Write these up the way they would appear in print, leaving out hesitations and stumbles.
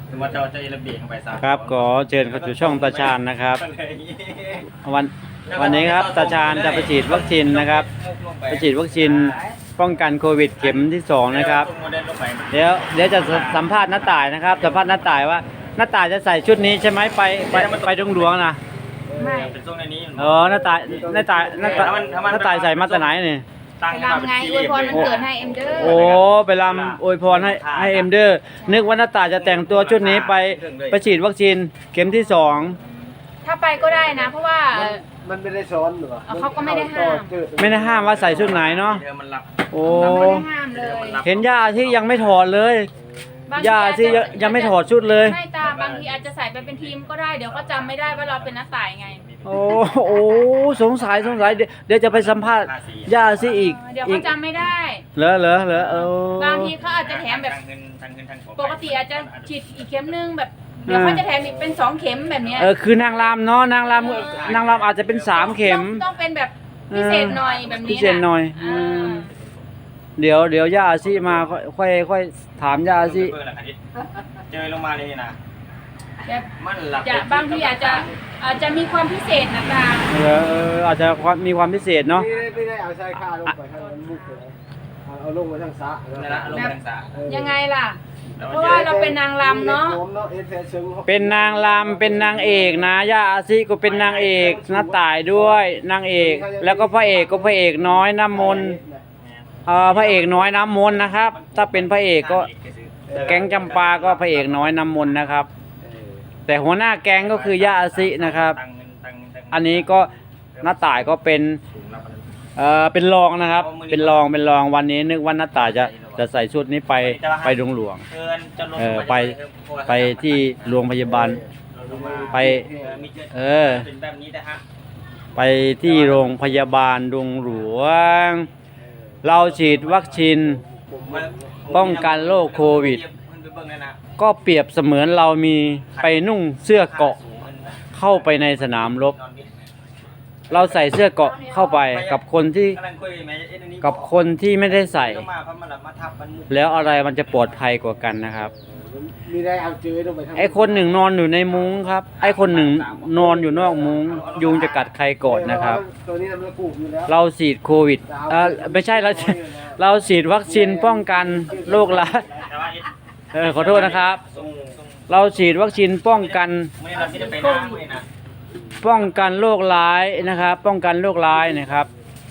ถึงว่าจะระเบียงเข้าไปซะครับขอเชิญเข้าสู่ช่องตาชาญนะครับวันนี้ครับตาชาญจะไปฉีดวัคซีนนะครับไปฉีดวัคซีนป้องกันโควิดเข็มที่2นะครับเดี๋ยวจะสัมภาษณ์น้าต่ายนะครับสัมภาษณ์น้าต่ายว่าน้าต่ายจะใส่ชุดนี้ใช่ไหมไปดงหลวงนะไม่เป็นช่วงนี้น้าต่ายใส่มาแต่ไหนนี่ไปรำไงอวยพรมันเกิดให้เอ็มเดอร์โอ้ไปรำอวยพรให้เอ็มเดอร์นึกว่าน้าต่ายจะแต่งตัวชุดนี้ไปฉีดวัคซีนเข็มที่2 ถ้าไปก็ได้นะเพราะว่ามันไม่ได้ซ้อนหรือเขาก็ไม่ได้ห้ามว่าใส่ชุดไหนเนาะโอ้ไม่ได้ห้ามเลยเห็นย่าที่ยังไม่ถอดเลยย่าที่ยังไม่ถอดชุดเลยไม่ตาบางทีอาจจะใส่ไปเป็นทีมก็ได้เดี๋ยวก็จำไม่ได้ว่าเราเป็นนักสายไงโอ้สงสัยเดี๋ยวจะไปสัมภาษณ์ย่าซิอีกเดี๋ยวเขาจำไม่ได้เหรบางทีเขาอาจจะแถมแบบปกติอาจจะฉีดอีกเข็มนึงแบบเดี๋ยวเขาจะแถมอีกเป็น2เข็มแบบนี้คือนางรำเนาะนางรำอาจจะเป็น3เข็มต้องเป็นแบบพิเศษหน่อยแบบนี้พิเศษหน่อยเดี๋ยวย่าซิมาค่อยถามย่าซิเจอลงมาเลยนะมันหลับบางทีอาจจะมีความพิเศษนะตาอาจจะมีความพิเศษเนาะไม่ได้เอาใช้ค่าลงไปทางมุกเลยเอาลงมาทางสะยังไงล่ะเพราะว่าเราเป็นนางรำเนาะเป็นนางรำเป็นนางเอกนะย่าอาซิก็เป็นนางเอกน้าต่ายด้วยนางเอกแล้วก็พระเอกก็พระเอกน้อยน้ำมนต์พระเอกน้อยน้ำมนต์นะครับถ้าเป็นพระเอกก็แก๊งจำปาก็พระเอกน้อยน้ำมนต์นะครับแต่หัวหน้าแก๊งก็คือย่าอาซินะครับอันนี้ก็น้าต่ายก็เป็นรองนะครับเป็นรองวันนี้นึกว่าน้าต่ายจะใส่ชุดนี้ไปดงหลวงไปที่โรงพยาบาลไปไปที่โรงพยาบาลดงหลวงเราฉีดวัคซีนป้องกันโรคโควิดก็เปรียบเสมือนเรามีไปนุ่งเสื้อเกราะเข้าไปในสนามรบเราใส่เสื้อเกราะเข้าไปกับคนที่ไม่ได้ใส่แล้วอะไรมันจะปลอดภัยกว่ากันนะครับไอ้คนหนึ่งนอนอยู่ในมุ้งครับไอ้คนหนึ่งนอนอยู่นอกมุ้งยุงจะกัดใครก่อนนะครับเราฉีดโควิดไม่ใช่เราฉีดวัคซีนป้องกันโรคร้ายขอโทษนะครับเราฉีดวัคซีนป้องกันโรคร้ายนะครับป้องกันโรคร้ายนะครับ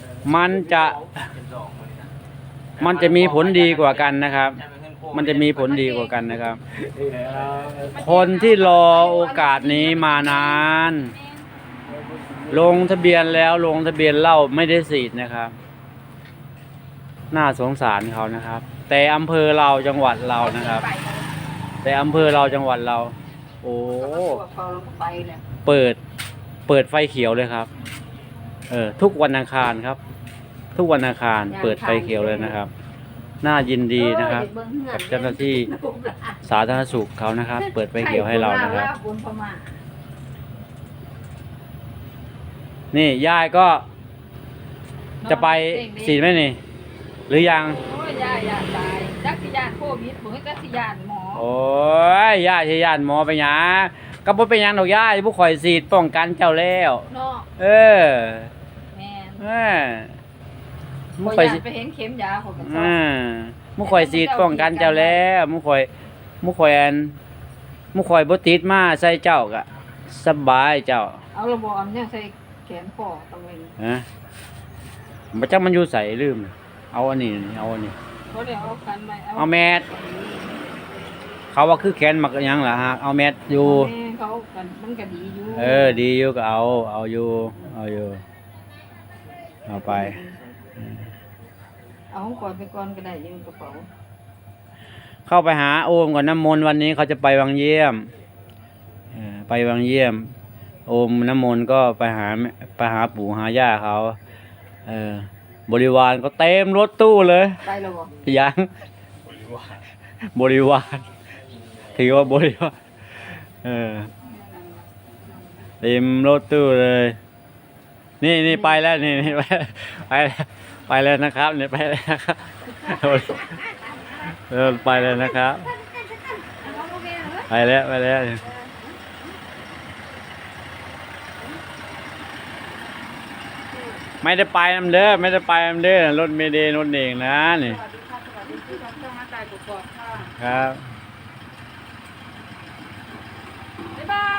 มันจะมีผลดีกว่ากันนะครับมันจะมีผลดีกว่ากันนะครับคนที่รอโอกาสนี้มานานลงทะเบียนแล้วลงทะเบียนเล่าไม่ได้ฉีดนะครับน่าสงสารเขานะครับแต่อำเภอเราจังหวัดเรานะครับแต่อำเภอเราจังหวัดเราโอ้เปิดไฟเขียวเลยครับทุกวันอังคารครับทุกวันอังคารเปิดไฟเขียวเลยนะครับน่ายินดีนะครับกับเจ้าหน้าที่สาธารณสุขเขานะครับเปิดไฟเขียวให้เรานะครับนี่ยายก็จะไปฉีดไหมนี่หรือยังยาตายจักสิยานโควิดบ่ให้จักสิยานหมอโอ้ยยาสิยานหมอไปหยังก็บ่เป็นหยังดอกยาผู้ข่อยฉีดป้องกันเจ้าแล้วเนาะแม่นมุข่อยไปเห็นเข็มยาของกันมุข่อยฉีดป้องกันเจ้าแล้วมุข่อยบ่ติดมาใส่เจ้าก็สบายเจ้าเอาระบบอันนี้ใส่แขนคอตรงนี้บ่จักมันอยู่ใส่ลืมเอาอันนี้เอาแมสเขาว่าคือแขนมักยังล่ะฮะเอาแมสอยู่เขากันมันก็ดีอยู่ดีอยู่ก็เอาอยู่เอาไปเอาก่อนไปก่อนก็ได้ยังกระเป๋าเข้าไปหาโอมก่อนน้ำมนต์วันนี้เขาจะไปวังเยี่ยมโอมน้ำมนต์ก็ไปหาปู่หาย่าเขาบริวารก็เต็มรถตู้เลยไปแล้วบ่ยังบริวารถือว่าบริวารเต็มรถตู้เลยนี่ไปแล้วนี่ไปแล้วนะครับนี่ไปแล้วนะครับไปเลยนะครับแล้วไปแล้วไม่ได้ไปนำเด้อไม่ได้ไปนำเด้อรถเมเดย์รถเองนะนี่สวัสดีค่ะสวัสดีที่ทำเครื่องหน้าตายกรอบๆค่ะครับบ๊ายบาย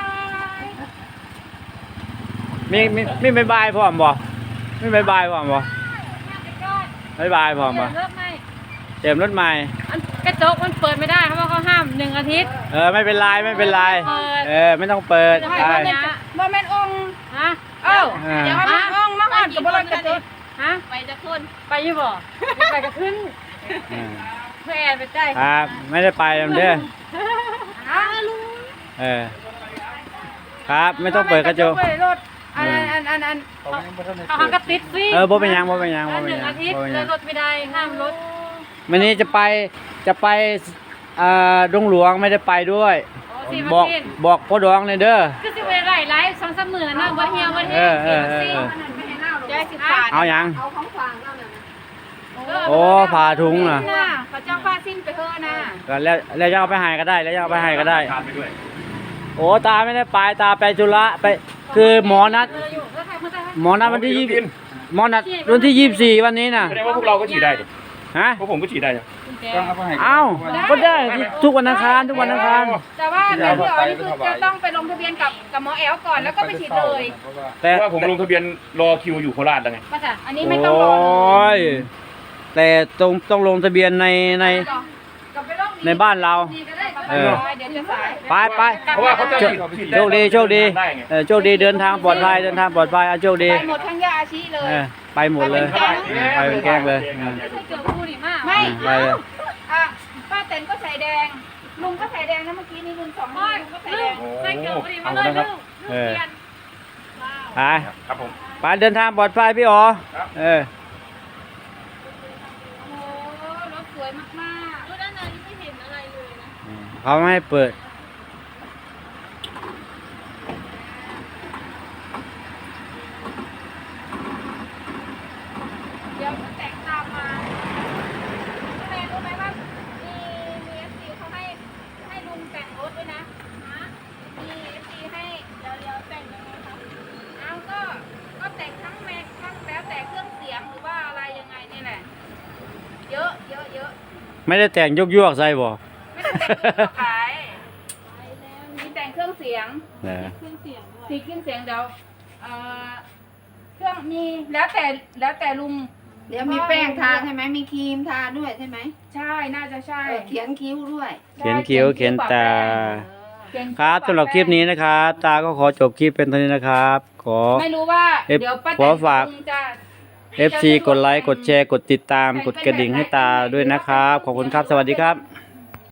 มีบายบายพร้อมบ่มีบายบายพร้อมบ่บายบายพร้อมบ่เริ่มไหมเต็มรถใหม่อันกระจกมันเปิดไม่ได้เพราะว่าเขาห้าม1 อาทิตย์ไม่เป็นไรไม่เป็นไรเปิดไม่ต้องเปิดจะให้ได้ว่าแม่นองค์ฮะเดี๋ยวให้แม่นองค์มาก่อนกับบริกระจกฮะไปจะขึ้นไปอยี่บ่ไปจะขึ้นเพื่อแอนไปใจครับไม่ได้ไปนำเด้อฮะลุงครับไม่ต้องเปิดกระจกรถอันเขาหักกระติดฟรีบ่เป็นหยังบ่เป็นหยังบ่แล้วเป็นหยัง 1 อาทิตย์บ่เป็นหเลยัยงรถไม่ได้ห้ามรถวันนี้จะไปดงหลวงไม่ได้ไปด้วยสี่บวัอน กสิ้นบอกพ่อดองเลยเด้อคือสิเวลาไลฟ์2-3 มื้อนะบ่เหี่ยวบ่แห้ง4 วันสิ้นใจสิขาดเอาหยังเอาของฝากเราเนี่ยโอ้ผ่าถุงน่ะเขาเจ้าผ้าสิ้นไปเถอะนะก็แล้วจะเอาไปให้ก็ได้แล้วจะเอาไปให้ก็ได้ทานไปด้วยโอ้ตาไม่ได้ไปตาไปธุระไปคือหมอนัดอยู่เพื่อใครเพื่อใครหมอนัดวันที่หมอนัดวันที่24วันนี้น่ะแสดงว่าพวกเราก็ฉีดได้ดิฮะพวกผมก็ฉีดได้ดิเอ้าก็ได้ทุกวันอังคารทุกวันอังคารแต่ว่าเดี๋ยวอันนี้คือจะต้องไปลงทะเบียนกับหมอแอลก่อนแล้วก็ไปฉีดเลยแต่เพราะว่าผมลงทะเบียนรอคิวอยู่โคราชแล้วไงมาจ้ะอันนี้ไม่ต้องรอโอ้ยแต่ต้องลงทะเบียนในกลับไปลงในบ้านเราดีก็ได้เออเดี๋ยวจะสายไปเพราะว่าเขาจะฉีดโชคดีโชคดีได้ไงโชคดีเดินทางปลอดภัยเดินทางปลอดภัยโชคดีไปหมดทั้งยาอาชีเลยไปหมดเลยไปเป็นแกล้งเลยไม่ใช่เกิดคู่นี่มากไปเลยอ่ะป้าเต็นก็ใส่แดงลุงก็ใส่แดงนะเมื่อกี้นี่ลุง2 ลุงก็ใส่แดงใส่เกิดพอดีมาเลยลูกเออไปครับผมไปเดินทางปลอดภัยพี่อ๋อครับเออโอ้รถสวยมากๆรถด้านในไม่เห็นอะไรเลยนะเขาไม่ให้เปิดเดี๋ยวก็แต่งตามมารู้ไหมว่ามีเอฟซีเขาให้ลุงแต่งรถด้วยนะมีเอฟซีให้เดี๋ยวแต่งยังไงครับเอาก็แต่งทั้งแม็กทั้งแล้วแต่เครื่องเสียงหรือว่าอะไรยังไงนี่แหละ เยอะไม่ได้แต่งยวกใส่บ่ไม่ได้แต่งเครื่องขายมีแต่งเครื่องเสียงเออเครื่องเสียงเดี๋ยวเครื่องมีแล้วแต่ลุงเดี๋ยวมีแป้งทาใช่ไหมมีครีมทาด้วยใช่ไหมใช่น่าจะใช่เขียนคิ้วด้วยเขียนคิ้วเขียนตาเขียนครับสำหรับคลิปนี้นะครับ ตาก็ขอจบคลิปเป็นเท่านี้นะครับ ขอไม่รู้ว่าเอฟเดี๋ยวป้าขอฝากลุงจะ FC กดไลค์กดแชร์กดติดตามกดกระดิ่งให้ตาด้วยนะครับ ขอบคุณครับ สวัสดีครับ